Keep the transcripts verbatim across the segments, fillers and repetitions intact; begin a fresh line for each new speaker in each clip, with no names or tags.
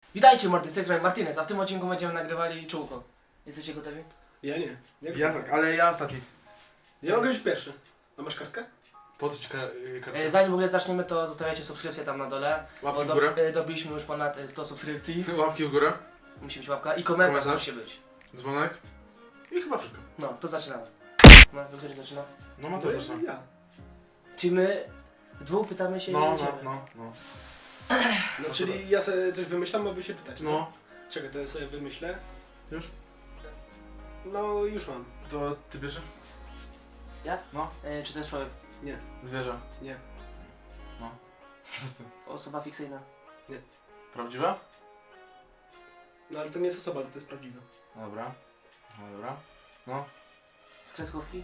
Witajcie mordy, z tej strony Martinez, a w tym odcinku będziemy nagrywali czółko. Jesteście gotowi?
Ja nie. Jak
Ja tak, ale ja ostatni.
Ja mogę być pierwszy. A masz kartkę?
Po co ci ka- kartę?
E, zanim w ogóle zaczniemy, to zostawiajcie subskrypcję tam na dole.
Łapki
Bo
w
do,
górę.
e, dobiliśmy już ponad e, sto subskrypcji.
Łapki w górę.
Musi być łapka i komentarz,
Komentarz.
musi być.
Dzwonek. I chyba wszystko.
No, to zaczynamy. No, do której zaczyna?
No ma
No
to
ja.
zresztą.
ja.
Czyli my dwóch pytamy się i
No, no,
idziemy.
no, no.
No
No
czyli ja sobie coś wymyślam, aby się pytać.
No,
Czekaj, to ja sobie wymyślę.
już?
No już mam.
To ty bierzesz?
Ja?
No.
E, czy to jest człowiek?
Nie.
Zwierzę.
Nie.
No. Wszyscy.
Osoba fikcyjna.
Prawdziwa?
No ale to nie jest osoba, ale to jest prawdziwe.
Dobra. No dobra. No.
Z kreskówki?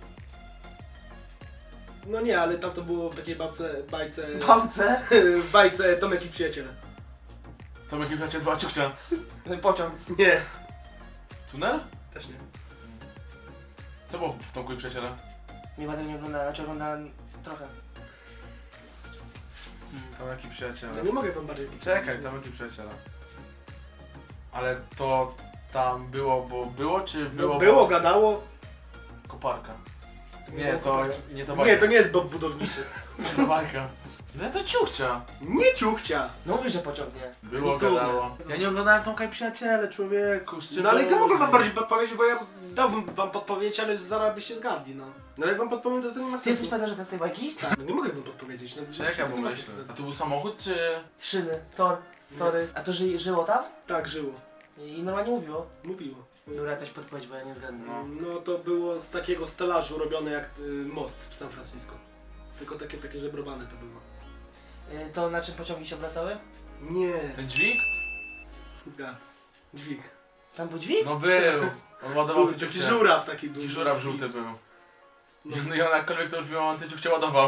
No nie, ale tam to było w takiej babce, bajce...
Babce?
w bajce Tomek i przyjaciele.
Tomek i bracie dwa ciuchcia.
Pociąg.
Nie.
Tunel?
Też nie.
Co było w Tomku i przyjaciele?
Nie będę nie oglądała, znaczy oglądałem trochę.
Tomek i przyjaciele.
No nie mogę wam bardziej
Czekaj, Tomek i przyjaciele. Ale to tam było, bo było, czy było?
No było,
bo...
gadało.
Koparka.
Nie
Nie,
było
to
koparki.
nie to bajka.
Nie, to nie jest dom budowniczy.
Nie to bajka. No to ciuchcia.
Nie ciuchcia.
No mówisz, że pociąg nie.
Było,
Nie tunel.
gadało. Ja nie oglądałem Tomka i przyjaciele, człowieku. Z czym
No ale
to
to mogę wam
różni?
bardziej podpowiedzieć, bo ja dałbym wam podpowiedź, ale zaraz byście zgadli, no. No ale jak wam podpowiem, to to nie ma
Ty jesteś
sensu.
pewien, że to jest tej bajki?
Tak, no nie mogę wam podpowiedzieć. No,
Czekaj, bo
nie ma
myślę.
sensu.
A to był samochód, czy...
Szyny, tor, tory. A to ży, żyło tam?
Tak, żyło.
I normalnie mówiło.
Mówiło.
Była jakaś podpowiedź, bo ja nie zgadnę.
No.
No to było z takiego stelażu robione jak y, most w San Francisco. Tylko takie, takie żebrowane to było.
Y, To na czym pociągi się obracały?
Nie.
Ten dźwig?
Zgad. Dźwig.
Tam był dźwig?
No był. On ładował
Był
te
taki
ciuchcie.
żuraw taki
I
był.
żuraw żółty był.
No.
No i on jakkolwiek to już miał, on te ciuchcie ładował.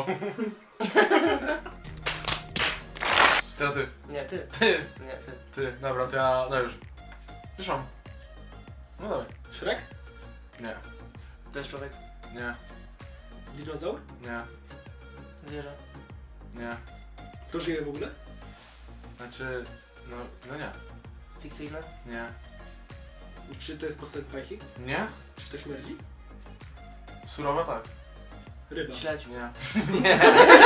Teraz ty.
Nie, ty.
Ty.
Nie, ty.
Ty. Dobra, to ja... No już. Już mam. No dawaj.
Shrek?
Nie.
To jest człowiek.
Nie.
Dinozaur?
Nie.
Zwierzę.
Nie.
To żyje w ogóle?
Znaczy... No, no nie.
Fikcyjne.
Nie.
Czy to jest postać z bajki?
Nie?
Czy to śmierdzi?
Surowa tak.
Ryba.
Śledź.
Nie. Nie.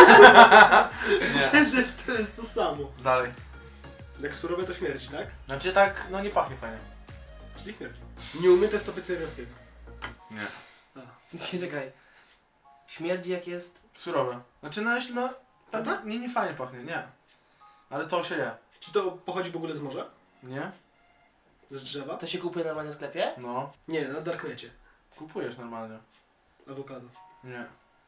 Nie.
Wiem, że to jest to samo.
Dalej.
Jak surowe to śmierdzi, tak?
Znaczy tak, no nie pachnie fajnie.
Czyli śmierdzi. Nieumyte stopy cejrowskiego.
Nie.
A.
Czekaj. Śmierdzi jak jest...
Surowe. Znaczy no, jeśli no...
Tata?
Nie, nie fajnie pachnie, nie. Ale to się je.
Czy to pochodzi w ogóle z morza?
Nie?
Z drzewa?
To się kupuje normalnie w sklepie?
No.
Nie, na darknecie.
Kupujesz normalnie.
Awokado.
Nie.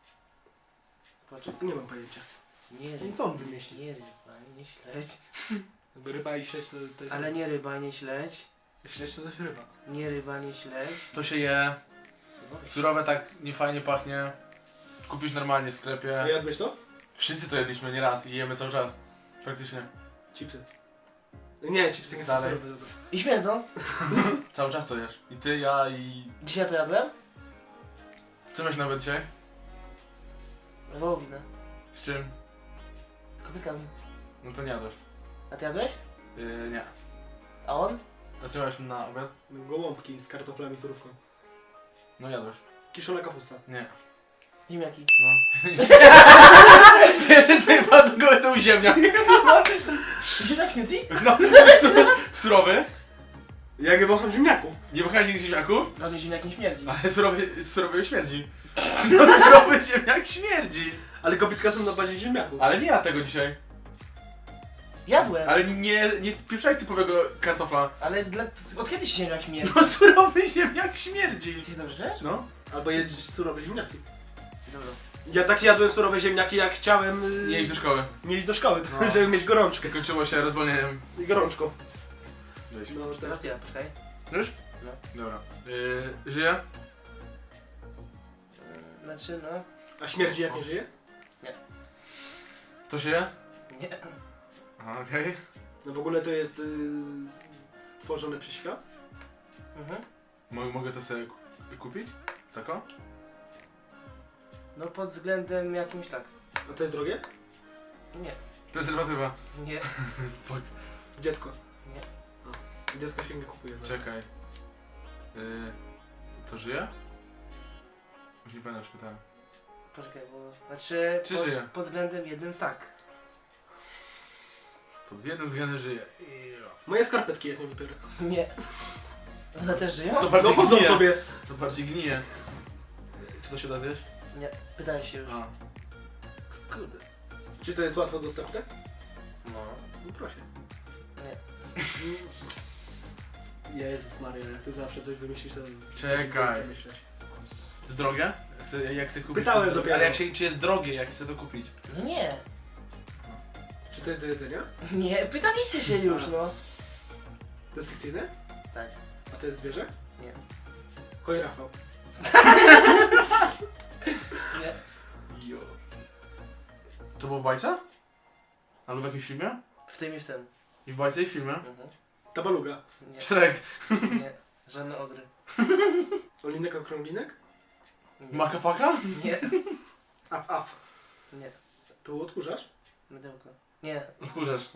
Poczekaj.
Nie mam pojęcia.
Nie
No
ryba.
co on wymyśli?
Nie ryba, nie śledź.
Jakby ryba i śledź to, to jest...
Ale nie ryba, nie śledź.
Śledź to też ryba.
Nie ryba, nie śledź.
To się je.
Surowe.
Surowe tak nie fajnie pachnie. Kupisz normalnie w
A
sklepie.
jadłeś to?
Wszyscy to jedliśmy nie raz i jemy cały czas. Praktycznie.
Chipsy. Nie, chipsy nie są
Dalej.
surowe. Dobra.
I śmierdzą.
Cały czaz to jesz. I ty, ja i...
Dzisiaj to jadłem?
Co miałeś nawet dzisiaj?
Wołowinę.
Z czym?
Z kobietkami.
No to nie jadłeś.
A ty jadłeś?
Yy, nie.
A on?
A co miałeś na obiad?
Gołąbki z kartoflami, surówką.
No jadłeś.
Kiszona kapusta.
Nie.
Ziemniaki.
No. Wiesz, co nie ma do góry, to u ziemniak.
Ty się tak śmierdzi?
No, surowy.
Ja nie wącham ziemniaków.
Nie wychać nigdy ziemniaków?
No nie ziemniak nie śmierdzi.
Ale surowy, surowy śmierdzi. No surowy ziemniak śmierdzi.
Ale kobitka są na bazie ziemniaków.
Ale nie ja tego dzisiaj.
Jadłem.
Ale nie, nie, nie wpieprzaj typowego kartofla.
Ale dla... od kiedy się ziemniak śmierdzi?
No surowy ziemniak śmierdzi.
Ty się dobrze czujesz?
No.
Albo jedziesz surowe ziemniaki.
Dobra.
Ja tak jadłem surowe ziemniaki, jak chciałem yy,
Nie iść do szkoły.
nie iść do szkoły,
No.
żeby mieć gorączkę.
Kończyło się rozwolnieniem.
I gorączką.
Weź.
No
Teraz
teraz
ja, poczekaj.
Już?
No.
Dobra. Yy, żyje?
Yy, Znaczy no...
A śmierdzi jak nie żyje?
To się je?
Nie.
Aha, okej.
No w ogóle to jest yy, stworzone przez świat?
Mhm.
Mo- Mogę to sobie ku- kupić? Tako?
No pod względem jakimś tak.
A to jest drogie?
Nie.
Prezerwatywa.
Nie.
Fuck.
Dziecko.
Nie.
Dziecka się nie kupuje. tak.
Czekaj. Yy, to żyje? Już nie pamiętam, czy pytałem.
Poczekaj, bo... Znaczy...
Czy
pod,
żyje?
pod względem jednym tak.
Pod jednym względem żyje.
Moje skarpetki jak nie wypiorę.
Nie. One też żyją?
To
No
bardziej
chodzą
gnije.
sobie.
To bardziej gnije. Czy to się da zjeść?
Nie. Pytałem się już.
A.
Kurde. Czy to jest łatwo dostępne?
No.
No proszę.
Nie.
Jezus Maria, jak ty zawsze coś wymyślisz, to...
Czekaj.
Wymyśleć.
Jest drogie? Jak chcę, jak chcę kupić.
Pytałem
to jest drogie.
dopiero.
Ale jak się, czy jest drogie, jak chcę to kupić?
No nie.
Czy to jest do jedzenia?
Nie, pytaliście się już, no.
To jest fikcyjne?
Tak.
A to jest zwierzę?
Nie.
Koj Rafał.
Nie.
Jo. To było w bajce? Albo w jakimś filmie?
W tym i w tym.
I w bajce i w filmie?
Mhm.
Tabaluga.
Nie.
Shrek.
Nie. Żadne ogry.
Olinek okrąglinek?
Nie.
Makapaka?
Nie.
Af, af.
Nie.
Tu odkurzasz?
Mydełko. Nie.
Odkurzasz.
Nie.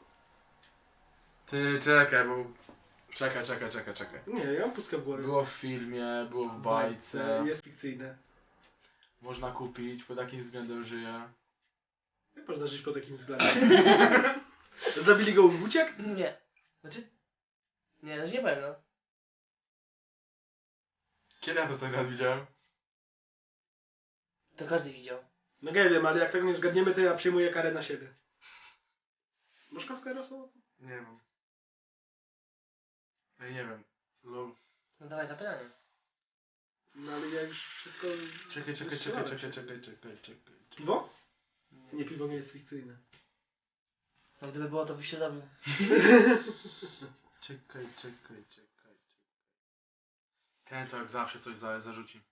Ty czekaj, bo... Czekaj, czekaj, czekaj, czekaj.
Nie, ja mam pustkę w głowie.
Było w filmie, było w bajce.
Jest fikcyjne.
Można kupić, pod takim względem żyje.
Jak można żyć po takim względem? Zabili go w uciek?
Nie. Znaczy? Nie, no nie powiem, no.
Kiedy ja to ostatni raz widziałem?
To każdy widział.
No nie wiem, ale jak tego nie zgadniemy, to ja przyjmuję karę na siebie. Masz kaskę rosną?
Nie wiem. Ej, nie wiem. Lol.
No dawaj na pytanie.
No ale ja już wszystko...
Czekaj, czekaj, czekaj, czekaj, czekaj, czekaj, czekaj.
Piwo?
Nie.
Nie, piwo nie jest fikcyjne.
No gdyby było, to byś się zabił.
Czekaj, czekaj, czekaj, czekaj. Ten to jak zawsze coś za, zarzuci.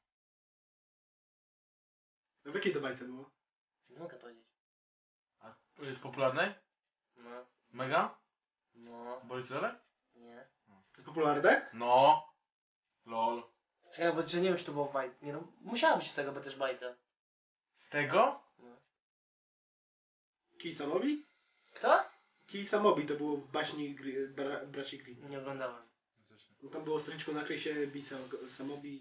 A w jakiej to bajce było?
Nie mogę powiedzieć.
A jest popularnej?
No.
Mega?
No.
Boli Lelek?
Nie.
To jest popularne?
No. Lol.
Czekaj, bo że nie wiem, czy to było w bajce. Nie no, musiała być z tego, bo też bajka.
Z tego?
No.
Kij Samobi?
Kto?
Kij Samobi to było w baśni Gri- bra, braci Grimm.
Nie oglądałem.
No tam było stryczko nakryj się Bisa Samobi.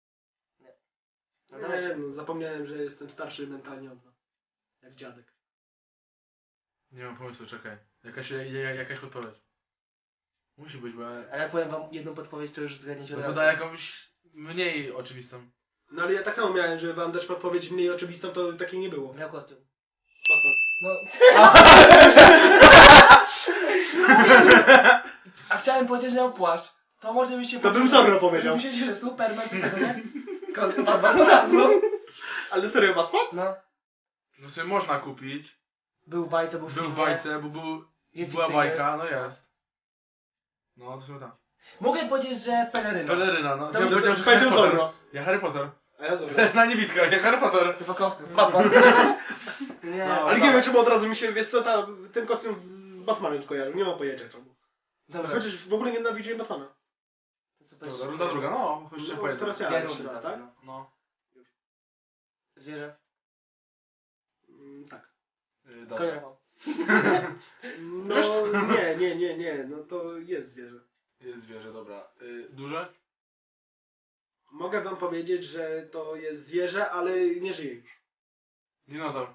No
Nie,
dawaj.
no zapomniałem, że jestem starszy mentalnie od was. Jak dziadek.
Nie mam pomysłu, czekaj. Jakaś, ja- ja- jakaś podpowiedź. Musi być, bo... ja-
Ale jak powiem wam jedną podpowiedź, to już zgadniecie od
No to
razu.
da jakąś mniej oczywistą.
No ale ja tak samo miałem, że wam dać podpowiedź mniej oczywistą, to takiej nie było.
Miał kostium.
Batman.
No. A chciałem powiedzieć, że miał płaszcz. To może mi się...
To bym Zorro powiedział.
Myślicie, że Superman czy tego, nie? Kostium Batman od razu.
Ale serio Batman?
No.
No sobie można kupić.
Był w bajce, był w
Był w
filmie.
bajce, bo był,
Jest
była
fikcyjny.
bajka, no jest. No to są tam.
Mogę powiedzieć, że peleryna.
Peleryna, no.
To
Ja
bym
powiedział, że
powiedział
Harry Potter.
Zorro.
Ja Harry Potter.
A ja Zorro.
Peleryna niewidka, ja Harry Potter.
Chyba kostium. Batman. Nie.
No,
Ale nie wiem czemu od razu mi się, wiesz co, ta, ten kostium z Batmanem skojarzył. Nie mam pojęcia czemu.
Dobra.
Chociaż w ogóle nie nienawidziłem Batmana.
To super.
Dobra, runda druga, no. Jeszcze
No,
pojedę.
teraz ja.
Dwie
jeszcze
rundy,
raz,
tak?
tak?
no.
No.
Zwierzę.
Mm, tak.
Yy,
Koń
dobra.
Rafał.
No nie, nie, nie, nie, no to jest zwierzę.
Jest zwierzę, dobra. Yy, duże?
Mogę wam powiedzieć, że to jest zwierzę, ale nie żyje już.
Dinozaur.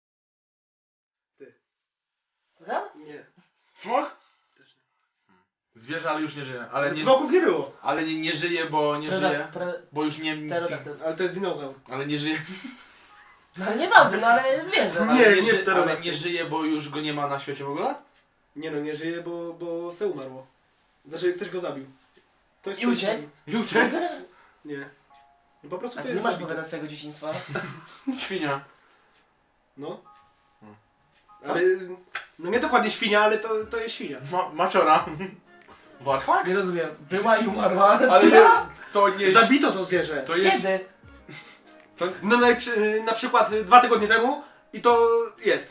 Prawda?
Nie.
Smok?
Też nie.
Zwierzę, ale już nie żyje. Ale nie,
Smoków nie było.
ale nie, nie żyje, bo nie
Prawda,
żyje.
pra-
Bo już nie...
Pterodaktyl.
Ale to jest dinozaur.
Ale nie żyje.
No ale nieważne, no ale zwierzę.
Nie,
Ale
nie
ży- ale
pterodaktyl.
nie żyje, bo już go nie ma na świecie w ogóle?
Nie no, nie żyje, bo, bo se umarło. Znaczy ktoś go zabił. Ktoś
I
coś
uciekł?
zabił.
I uciekł?
Nie. No po prostu
A
to
ty nie
jest
masz
zabite.
opowiadać swojego dzieciństwa?
Świnia.
No.
Hmm.
Ale, no nie dokładnie świnia, ale to, to jest świnia.
Ma maciora. Warchak?
Nie rozumiem. Była i umarła.
Ale nie, to nie...
Zabito to zwierzę.
To jest...
Kiedy?
No na, przy- na przykład y, dwa tygodnie temu i to jest.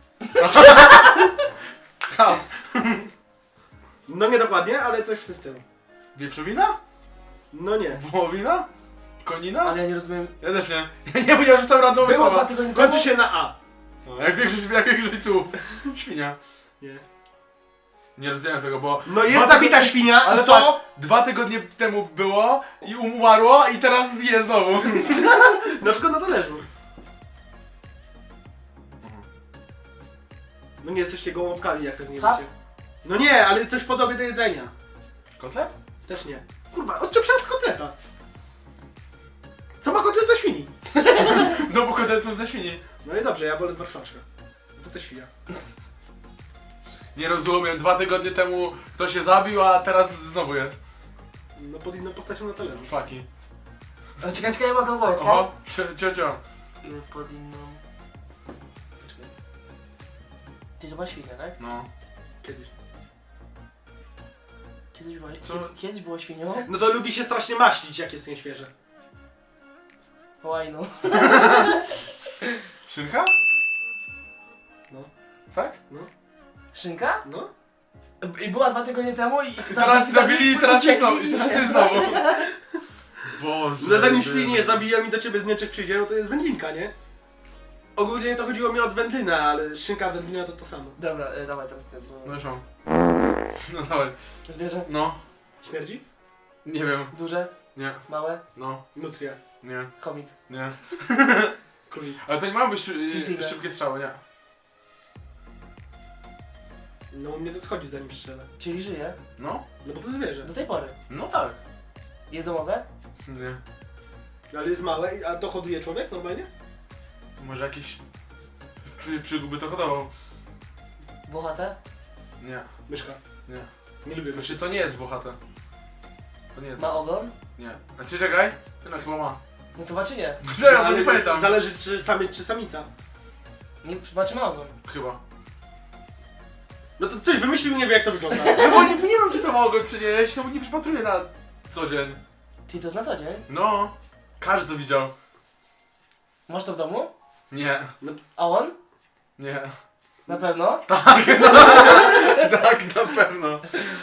Co?
No nie dokładnie, ale coś w tym stylu.
Wieprzowina?
No nie.
Wołowina? Konina?
Ale ja nie rozumiem.
Ja też nie. Ja nie mówię, że tam randomowe
Było
słowa.
dwa tygodnie temu?
Kończy się na A.
No, jak większość, jak większość słów. Świnia.
Nie.
Nie rozumiem tego, bo...
No jest
dwa
zabita
tygodnie-
świnia,
Ale
ale
patrz,
co?
dwa tygodnie temu było i umarło i teraz je znowu.
Na przykład na talerzu. No nie jesteście gołąbkami, jak tak nie
Schab?
wiecie. No nie, ale coś podobnie do jedzenia.
Kotlet?
Też nie. Kurwa, odczep się od kotleta. Co ma kotlet do świni?
No bo kotlety są ze świni.
No i dobrze, ja wolę z marchwaczka. To też świnia.
Nie rozumiem, dwa tygodnie temu ktoś się zabił, a teraz znowu jest.
No pod inną postacią na talerzu.
Faki.
O, czekaj, czekaj, ja mam tą wołę,
Oho, cio, cio, cio.
czekaj. Pod inną... Poczekaj. Ty to była świnia, tak?
No.
Kiedyś.
Kiedyś była...
Co?
Kiedy- Kiedyś było świnią?
No to lubi się strasznie maślić, jak jest nieświeże.
Łajno.
Szynka?
No.
Tak?
Szynka?
No?
I była dwa tygodnie temu i...
I teraz zabili i teraz jest znowu. I teraz jest znowu. Boże.
No zanim świnie zabiją i do ciebie z Niemczech przyjdzie, no to jest wędlinka, nie? Ogólnie to chodziło mi od wędlina, ale szynka wędlina to to samo.
Dobra, e, dawaj teraz ty, bo...
No już mam. No dawaj.
Zwierzę?
No.
Śmierdzi?
Nie wiem.
Duże?
Nie.
Małe?
No.
Nutria.
Nie.
Chomik.
Nie.
Królik.
Ale to nie ma być szy-
Fizyjne.
szybkie strzały, nie.
No u mnie to schodzi zanim strzelę.
Czyli żyje?
No.
No bo to zwierzę.
Do tej pory.
No tak.
Jest domowe?
Nie.
Ale jest małe, i- a to hoduje człowiek normalnie?
Może jakiś przy, przygóby to hodował.
Włochate?
Nie.
Myszka.
Nie.
Nie lubię myszy.
Znaczy to nie jest włochate. To nie jest.
Ma ogon?
Nie. Znaczy czekaj. Ty no chyba ma.
No to ma czy nie?
Czekaj, bo nie pamiętam.
Zależy czy samiec czy samica.
Nie, ma czy ma ogon?
Chyba.
No to coś wymyślił, nie wie jak to wygląda.
No bo nie, nie wiem czy to ma ogon czy nie, ja się temu nie przypatruję na co dzień.
Czyli to jest na co dzień?
No. Każdy to widział.
Masz to w domu?
Nie.
A on?
Nie.
Na pewno?
Tak, tak, na pewno.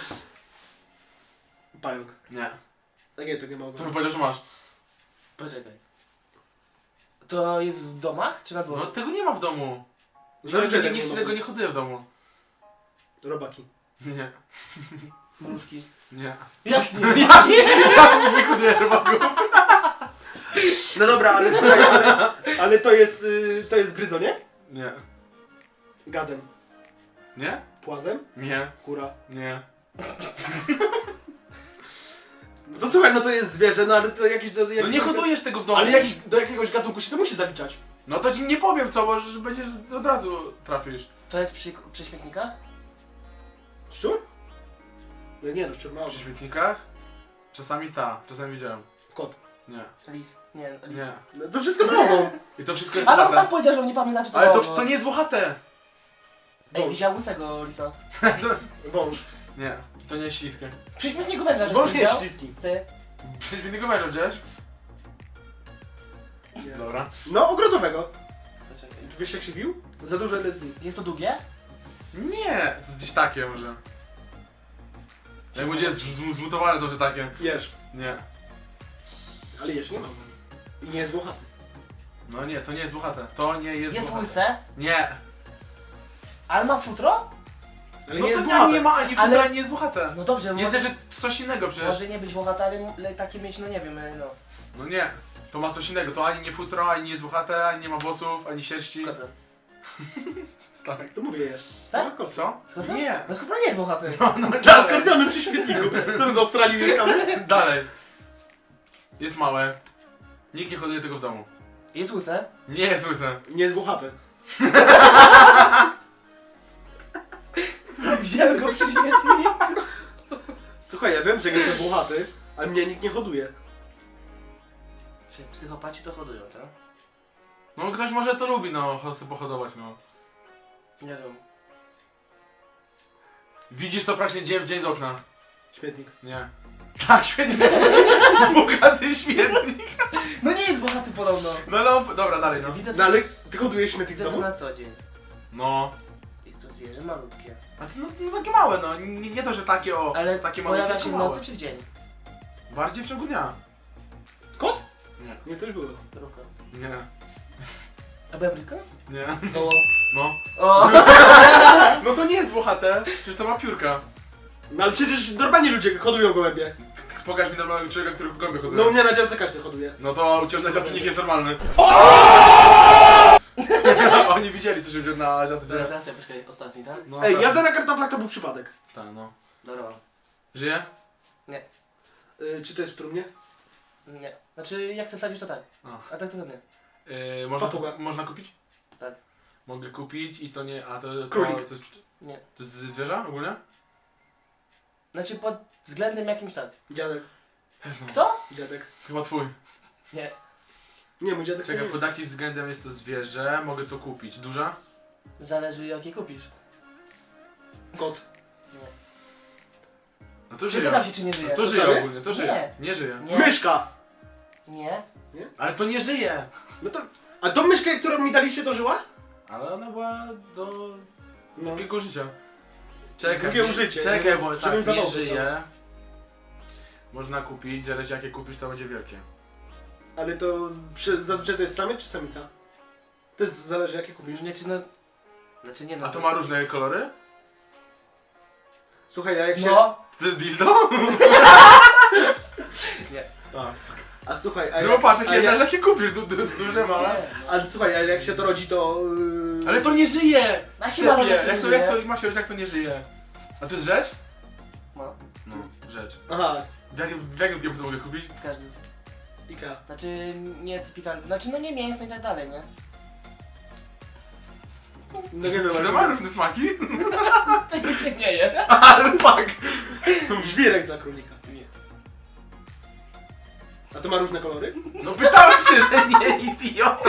Pająk.
Nie.
A nie, to nie ma
To
ogona.
bym powiedział, że masz.
Poczekaj. To jest w domach czy na
No
dworze?
tego nie ma w domu.
Zawsze
Nikt,
tak
nikt
nie
się
ma.
tego nie hoduje w domu.
Robaki.
Nie.
Mrówki.
Nie.
Jak nie?
Ja nie, ja nie hoduję rybaków.
No dobra, ale słuchaj, ale, ale to jest, y, to jest gryzonie?
Nie.
Gadem.
Nie?
Płazem?
Nie.
Kura.
Nie.
No to słuchaj, no to jest zwierzę, no ale to jakieś do...
No
jakiegoś-
nie hodujesz tego w domu.
Ale jakiś, do jakiegoś gatunku się to musi zaliczać.
No to ci nie powiem co, bo już będziesz od razu trafisz.
To jest przy, przy śmietnikach?
Szczur? No nie no, szczur ma
Przy śmietnikach? Czasami ta, czasami widziałem.
Kot.
Nie.
Lis. Nie, lis.
Nie.
No to wszystko ma ogon.
I to wszystko jest
Ale on sam
włochate.
powiedział, że nie pamięta czy to
Ale to,
było.
to nie jest włochate.
Ej, widział łysego lisa.
Wąż.
Nie. To nie jest śliskie.
Przy śmietniku węża, że
Wąż nie jest
widział?
śliski.
Ty.
Przy śmietniku męża widziałeś?
Nie.
Dobra.
No, ogrodowego.
Poczekaj.
Czy wiesz jak się bił? Za dużo L S D.
Jest to długie?
Nie. To jest gdzieś takie może. Jak będzie z- z- zmutowane to, że takie.
Jesz.
Nie.
Ale jesz nie ma. I nie jest włochaty.
No nie, to nie jest włochate. To nie jest
Jest
włochate.
łyse?
Nie.
Ale ma futro?
Ale
No
nie
to
jest
nie,
włochaty.
nie ma ani
Ale-
futra, ani nie jest włochate.
No dobrze,
Jest
może,
jeszcze coś innego przecież.
może nie być włochate, ale m- le- takie mieć, no nie wiem, e, no.
No nie. To ma coś innego. To ani nie futro, ani nie jest włochate, ani nie ma włosów, ani sierści.
Skorpion.
Tak.
To mówię jesz.
Tak?
Ma kolce.
Co?
Skorpion?
Nie.
No skorpion nie jest włochaty.
No, no
Dla
dalej.
skorpiony przy śmietniku. Co my w Australii mieszkamy?
Dalej. Jest małe. Nikt nie hoduje tego w domu.
Jest łyse?
Nie jest łyse.
Nie jest włochate.
Widziałem go przy śmietniku.
Słuchaj, ja wiem, że nie jest włochaty, ale mnie nikt nie hoduje.
Czy psychopaci to hodują, tak?
No ktoś może to lubi, no, cho- sobie pohodować, no.
Nie wiem.
Widzisz to praktycznie dzień w dzień z okna.
Śmietnik.
Nie. Tak, świetnie. Bogaty śmietnik.
No nie jest włochaty podobno.
No, no, dobra, dalej, no.
Widzę,
No ale ty hodujesz śmietnik w
widzę to
domu?
na co dzień.
No.
Jest to zwierzę malutkie.
A to, no, no takie małe, no. Nie, nie to, że takie o,
Ale
takie małe,
pojawia
tylko
się w
małe.
nocy czy w dzień?
Bardziej w ciągu dnia.
Kot?
Nie.
Nie, to już było.
Mrówka.
Nie.
A byłem blisko?
Nie.
O.
No.
O.
No to nie jest włochate, przecież to ma piórka.
No ale przecież normalnie ludzie hodują gołębie.
Pokaż mi normalnego człowieka, który w gąbie hoduje.
No u mnie na działce każdy hoduje.
No to u ciebie na działce nikt jest normalny. Oni widzieli, co się dzieje na działce.
Dobra, teraz ja poczekaj, ostatni, tak?
No,
Ej,
tak.
jazda na kartoflach to był przypadek.
Tak, no.
Dobra.
Żyje?
Yy, czy to jest w trumnie?
Nie. Znaczy, jak chcę wsadzić, to tak.
A.
A tak to, to nie.
Yy, można,
Papuga.
kup- można kupić?
Tak.
Mogę kupić i to nie... A to... to
Królik.
To jest,
Nie.
to jest zwierzę ogólnie?
Znaczy, pod względem jakimś tak.
Dziadek.
Kto?
Dziadek.
Chyba twój.
Nie.
Nie, mój dziadek
Czekaj,
nie
pod jakim względem jest to zwierzę? Mogę to kupić. Duża?
Zależy, jakie kupisz.
Kot.
Nie.
No to żyje.
Pytam się, czy nie żyje.
No to
To
żyje
samiec?
ogólnie, to żyje. Nie żyje.
Nie.
Myszka!
Nie.
Ale to nie żyje!
No to... A tą myszkę, którą mi daliście, to żyła?
Ale ona była do
No.
drugiego życia. Czekaj,
Drugie
nie-
użycie,
Czekaj,
no,
bo
żebym
tak nie
zawołał
żyje. Można kupić, zależy jakie kupisz, to będzie wielkie.
Ale to przy, zazwyczaj to jest samiec czy samica? To jest, zależy jakie kupisz.
Nie, czy no... Znaczy nie no.
A to ma różne kolory?
Słuchaj, a jak się...
No.
To jest dildo?
Nie.
A.
A słuchaj, a
No
jak...
patrz,
a
jakie
jak-
zależy jakie kupisz, du, du, duże, małe.
Nie.
Ale słuchaj, ale jak się to rodzi, to... Yy...
Ale to nie żyje!
Jak się ma
Cepie,
jak to
jak
nie
to,
żyje?
jak to, Macie, jak to nie żyje? A to jest rzecz?
No.
No, rzecz.
Aha,
W jakim, w jakim sklepie to mogę kupić?
W każdym.
Ikea.
Znaczy, nie typikalny. Znaczy, no nie mięsny i tak dalej, nie?
No nie wiem,
Czy to ma różne smaki?
Tego się nie je.
Ale fuck!
Żwirek dla królika.
Nie.
A to ma różne kolory?
No pytałem się, że nie, idioto!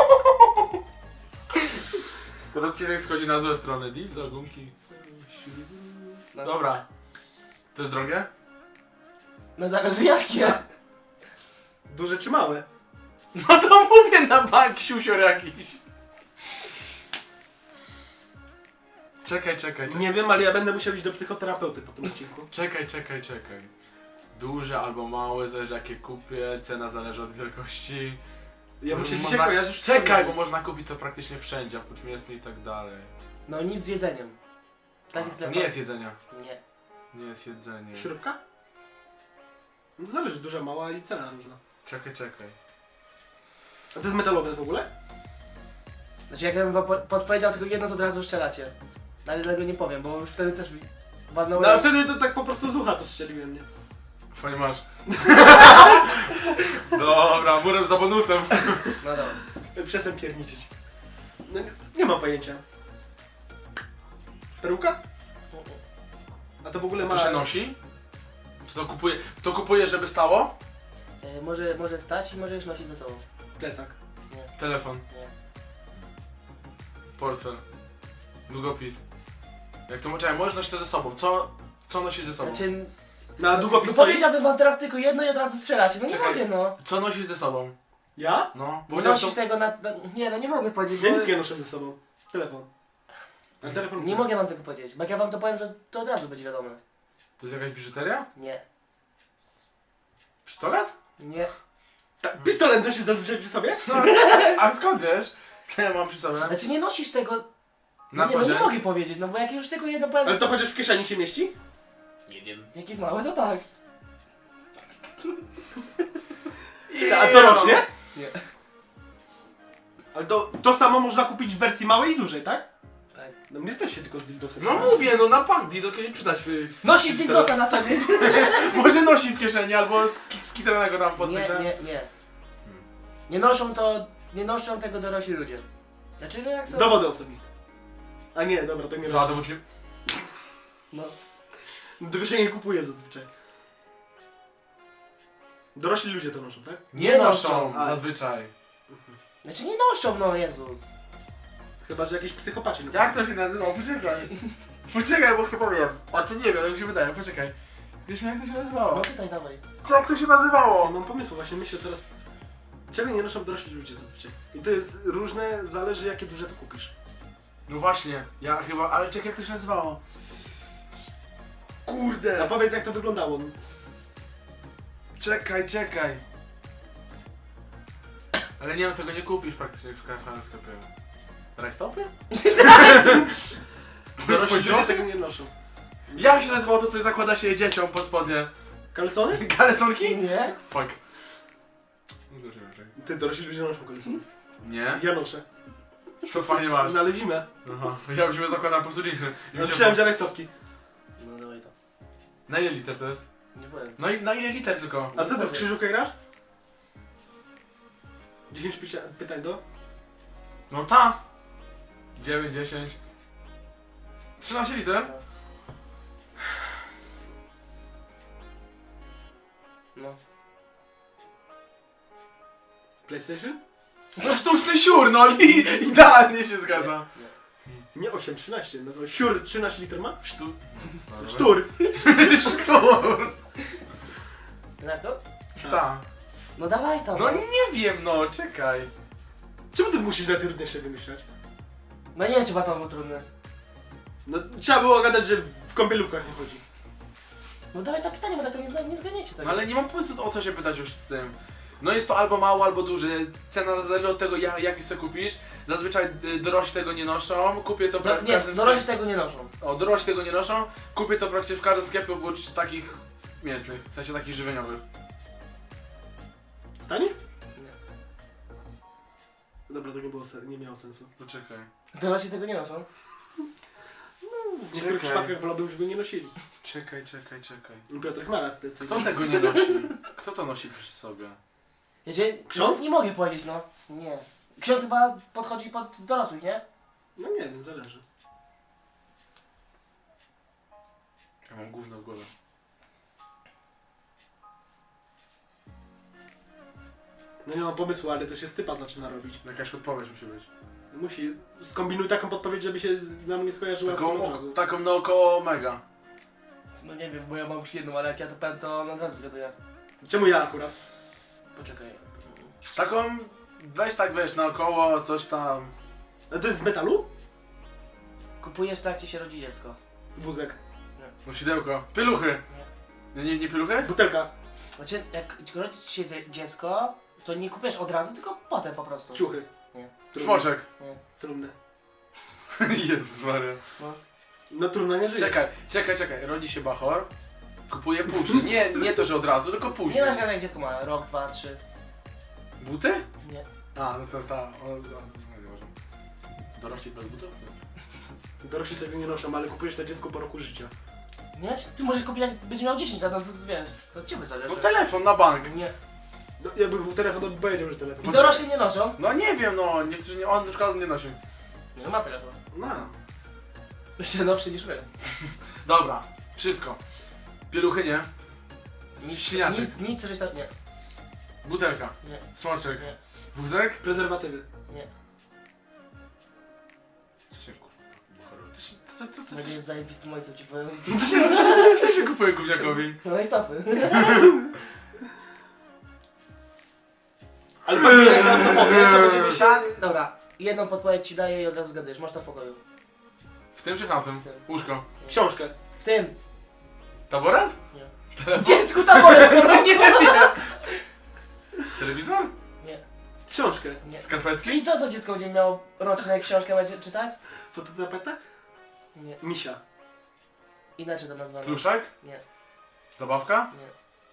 Ten odcinek schodzi na złe strony. Dildo, gumki.
No.
Dobra. To jest drogie?
No zależy jakie.
Duże czy małe?
No to mówię na bank, siusior jakiś. Czekaj, czekaj, czekaj.
Nie wiem, ale ja będę musiał iść do psychoterapeuty po tym odcinku.
Czekaj, czekaj, czekaj. Duże albo małe, zależy jakie kupię, cena zależy od wielkości.
Ja muszę
Można-
dzisiaj kojarzyć wszystko.
Czekaj, bo można kupić to praktycznie wszędzie, oprócz mięsny i tak dalej.
No nic z jedzeniem. Taki
A, to
sklep.
nie jest jedzenia.
Nie.
Nie jest jedzenie.
Śrubka? No to zależy, duża, mała i cena różna.
Czekaj, czekaj.
A to jest metalowe w ogóle?
Znaczy, jak ja bym wam po- podpowiedział tylko jedno, to od razu strzelacie. No, ale tego nie powiem, bo już wtedy też mi walnąłem.
No ale wtedy to tak po prostu z ucha to strzeliłem, nie?
Fajnie masz. Dobra, murem za bonusem.
No dobra.
Przestań pierniczyć. No, nie, nie mam pojęcia. Peruka? A to w ogóle ma...
To się nosi? Czy to kupuje, to kupuje, żeby stało?
E, może, może stać i możesz nosić ze sobą.
Plecak.
Nie,
Telefon,
nie.
portfel, długopis. Jak to czekaj, możesz nosić to ze sobą. Co, co nosisz ze sobą?
Znaczy,
Na długopis
no
stoi?
powiedziałbym wam teraz tylko jedno i od razu strzelacie. No nie
Czekaj.
mogę, no.
Co nosisz ze sobą?
Ja?
No, bo
Nie
chociaż
nosisz
to...
tego na, na... Nie, no nie mogę powiedzieć,
Ja
bo...
nic nie noszę ze sobą. Telefon. A telefon...
Nie mogę wam tego powiedzieć, bo jak ja wam to powiem, że to od razu będzie wiadome.
To jest jakaś biżuteria?
Nie,
Pistolet?
nie.
Ta, pistolet nosisz zazwyczaj przy sobie?
No, a skąd wiesz? Co ja mam przy sobie?
Znaczy nie nosisz tego...
Na
nie,
co
no nie
dzień?
mogę powiedzieć, no bo jak już tylko jedno powiem...
Ale to chociaż w kieszeni się mieści?
Nie wiem.
Jak jest małe, to tak.
A to rośnie?
Nie.
Ale to, to samo można kupić w wersji małej i dużej, tak?
Tak.
No mnie też się tylko z dildosem.
No mówię, no na bank dildo kiedyś przydać. y, z-
Nosisz
z-
dildosa na co dzień?
Może nosi w kieszeni albo z, z kitranego tam pod
Nie,
pieczem.
nie, nie. Nie noszą to... Nie noszą tego dorośli ludzie. Znaczy, no jak są...
Dowody osobiste. A nie, dobra, to nie
Za
robię.
dowód nie...
No.
Tego się nie kupuje zazwyczaj. Dorośli ludzie to noszą, tak?
Nie
Nie
noszą
noszą.
A.
zazwyczaj.
Znaczy nie noszą, no Jezus.
Chyba, że jakieś psychopaci. No.
Jak to się nazywa? Poczekaj. Poczekaj, bo chyba wiem. A czy nie wiem, jak mi się wydaje, poczekaj. Wiesz jak to się
No
nazywało?
pytaj, dawaj.
Jak to się
Nie
nazywało?
mam pomysłu, właśnie myślę teraz... Czego nie noszą dorośli ludzie zazwyczaj? I to jest różne, zależy jakie duże to kupisz.
No właśnie, ja chyba, ale czekaj jak to się nazywało.
A
Kurde.
powiedz jak to wyglądało.
Czekaj, czekaj. Ale nie wiem, tego nie kupisz praktycznie w każdym sklepie. Rajstopy?
Dorośli ludzie tego nie noszą.
Jak się nazywało to, co zakłada się dzieciom pod spodnie?
Kalesony?
Kalesonki?
Nie?
Fuck. No to się raczej.
Ty, dorośli ludzie noszą kalesony.
Nie?
Ja noszę.
To fajnie masz.
No ale w zimę.
Aha. Ja już sobie zakładam po prostu jeansy. I
Ja
mi się-
Chciałem dziarać stopki.
No dawaj to.
Na ile liter to jest?
Nie powiem.
No i na ile liter tylko?
A co ty w krzyżówkę grasz? dziesięć pycia- pytań do?
No ta! dziewięć, dziesięć. trzynaście liter?
No.
PlayStation?
No sztuczny siur, no i idealnie się zgadza.
Nie.
Nie osiem, trzynaście. No to siur trzynaście liter ma?
Sztu...
Sztur!
Sztur!
Tak to?
Ta.
No dawaj to.
No nie wiem, no czekaj.
Czemu ty musisz najtrudniejsze wymyślać?
No nie wiem, czy to było trudne.
No trzeba było gadać, że w kąpielówkach nie chodzi.
No dawaj to pytanie, bo tak to nie, zna, nie zganiecie tego.
No ale nie mam pomysłu o co się pytać już z tym. No jest to albo mało, albo duże. Cena zależy od tego, ja- jaki sobie kupisz. Zazwyczaj y, dorośli tego nie noszą. Kupię to
Do,
w
nie,
każdym
dorośli
sklepie.
tego nie noszą.
O, dorośli tego nie noszą. Kupię to praktycznie w każdym sklepie oprócz takich mięsnych, w sensie takich żywieniowych.
Stanie?
Nie.
Dobra, to nie, było sen- nie miało sensu.
Poczekaj.
Dorośli tego nie noszą.
W niektórych
Czekaj.
przypadkach wolałbym, żeby nie nosili.
Czekaj, czekaj, czekaj.
Piotr Chmara, te co
Kto tego nie nosi? Kto to nosi przy sobie?
Wiecie,
Ksiądz?
no, nie mogę powiedzieć, no. Nie. Ksiądz chyba podchodzi pod dorosłych, nie?
No nie wiem, zależy.
Ja mam gówno w głowie.
No nie mam pomysłu, ale to się stypa zaczyna robić.
Jakaś odpowiedź musi być.
Musi. Skombinuj taką podpowiedź, żeby się z, nam nie skojarzyła z tym od
Taką,
razu.
taką naokoło mega.
No nie wiem, bo ja mam już jedną, ale jak ja to powiem, to on od razu zgaduję.
Czemu ja akurat?
Poczekaj.
Taką, weź tak wiesz, naokoło, coś tam.
A to jest z metalu?
Kupujesz to, jak ci się rodzi dziecko.
Wózek.
Nosidełko. Pieluchy. Nie, nie, nie pieluchy?
Butelka.
Znaczy, jak rodzi ci się dzie- dziecko, to nie kupujesz od razu, tylko potem po prostu.
Ciuchy.
Nie.
Trumny.
Smoczek.
Nie.
Trumny.
Jezus Maria.
No.
No trudno nie żyje.
Czekaj, czekaj, czekaj. Rodzi się bachor. Kupuje później. Nie, nie to, że od razu, tylko
Nie
później.
na przykład jak dziecko ma rok, dwa, trzy.
Buty?
Nie.
A, no to ta. O, o, no, nie może. Dorośli bez butów?
Dorośli tego nie noszą, ale kupujesz to dziecko po roku życia.
Nie? Ty możesz kupić, jak będzie miał dziesięć lat, no to wiesz. To od ciebie zależy.
No telefon na bank.
Nie.
No, jakby był telefon, to by powiedział, że telefon.
I dorośli nie noszą.
No nie wiem, no. Niektórzy nie, on na przykład nie nosi.
Nie, no ma telefon.
No.
Jeszcze nowszy niż my.
Dobra, wszystko. Pieluchy nie.
Nic,
Śliniaczek.
nic, nic, żeś tam... Nie.
Butelka.
Nie.
Smoczek.
Nie.
Wózek?
Prezerwatywy.
Nie.
Co się kurwa buchorowe? Co się, co, co, co, co,
Będzie
się,
zajebistym ojcem ci powiem.
co, się, co, się, co się kupuje gówniakowi?
No i stopy.
Ale pewnie jak nam to powie, to będziemy się...
Tak, dobra. Jedną podpowiedź ci daję i od razu zgadujesz. Masz to w pokoju.
W tym czy tamtym?
W tym.
Łóżko.
Książkę.
W tym.
Taboret?
Nie.
Telefon?
Dziecku taboret! Nie.
Telewizor?
Nie.
Książkę.
Nie.
Skarpetki?
I co to dziecko będzie miało roczne książkę będzie czytać?
Fototapeta?
Nie.
Misia.
Inaczej to nazwane.
Pluszak?
Nie.
Zabawka?
Nie.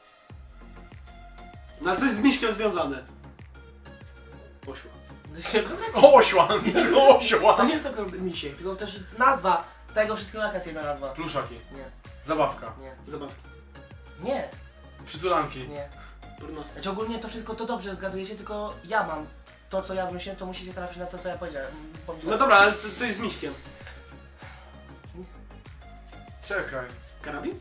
No ale coś z miśkiem związane. Poszło.
O, ośła!
To
Ośła!
nie jest tylko misiek, tylko też nazwa tego wszystkiego, jaka jest jedna nazwa.
Pluszaki.
Nie.
Zabawka.
Nie.
Zabawki.
Nie.
Przytulanki.
Nie.
Pornosy.
Znaczy ogólnie to wszystko to dobrze zgadujecie, tylko ja mam to, co ja wymyśliłem, to musicie trafić na to, co ja powiedziałem.
No dobra, ale co, coś z miśkiem.
Czekaj.
Karabin?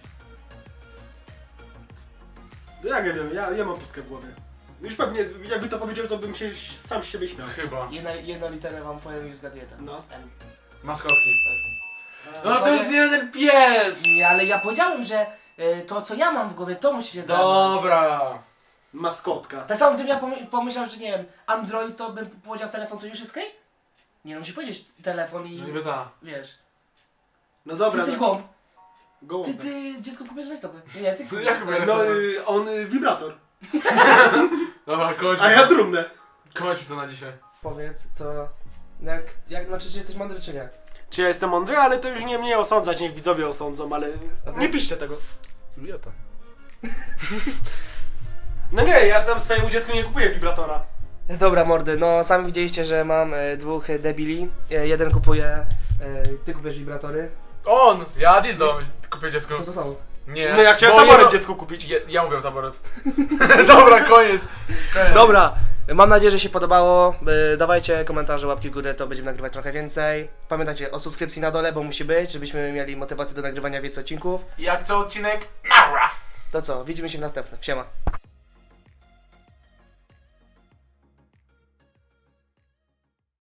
No jak ja wiem, ja, ja mam pustkę w głowie. Już pewnie, jakby to powiedział, to bym się sam z siebie śmiał.
Chyba.
Jedna, jedną literę wam powiem i zgaduję to.
No.
M.
Maskotki.
Tak.
No to jest nie ten pies!
Nie, ale ja powiedziałem, że y, to, co ja mam w głowie, to musicie zgadnąć.
Dobra.
Maskotka.
Tak samo gdybym ja pomy- pomyślał, że nie wiem, Android, to bym powiedział telefon, to już jest okej? Nie no, musi powiedzieć telefon i
No niby ta.
wiesz.
No
Ty
dobra.
jesteś
no.
głąb. Ty,
Gołąbek.
ty, dziecko kupisz rajstopy. Nie, ty
No jak
kupisz
kupię
No
rajstopy?
y, on y, wibrator.
Dobra, kończ.
A ja trumnę.
Kończmy to na dzisiaj.
Powiedz, co... Jak, jak, znaczy, czy jesteś mądry, czy nie?
Czy ja jestem mądry, ale to już nie mnie osądzać, niech widzowie osądzą, ale nie piszcie tego.
Idiota.
No nie, ja tam swojemu dziecku nie kupuję wibratora.
Dobra, mordy, no sami widzieliście, że mam e, dwóch e, debili. E, jeden kupuje... E, ty kupujesz wibratory.
On! Ja dildo kupię dziecku.
To co samo.
Nie.
No ja chciałem
bo
taboret
jedno-
dziecku kupić.
Ja, ja mówię taboret. Dobra, koniec. koniec.
Dobra, mam nadzieję, że się podobało. E, dawajcie komentarze, łapki w górę, to będziemy nagrywać trochę więcej. Pamiętajcie o subskrypcji na dole, bo musi być, żebyśmy mieli motywację do nagrywania więcej odcinków.
Jak co odcinek? Maura!
To co, widzimy się w następnym. Siema.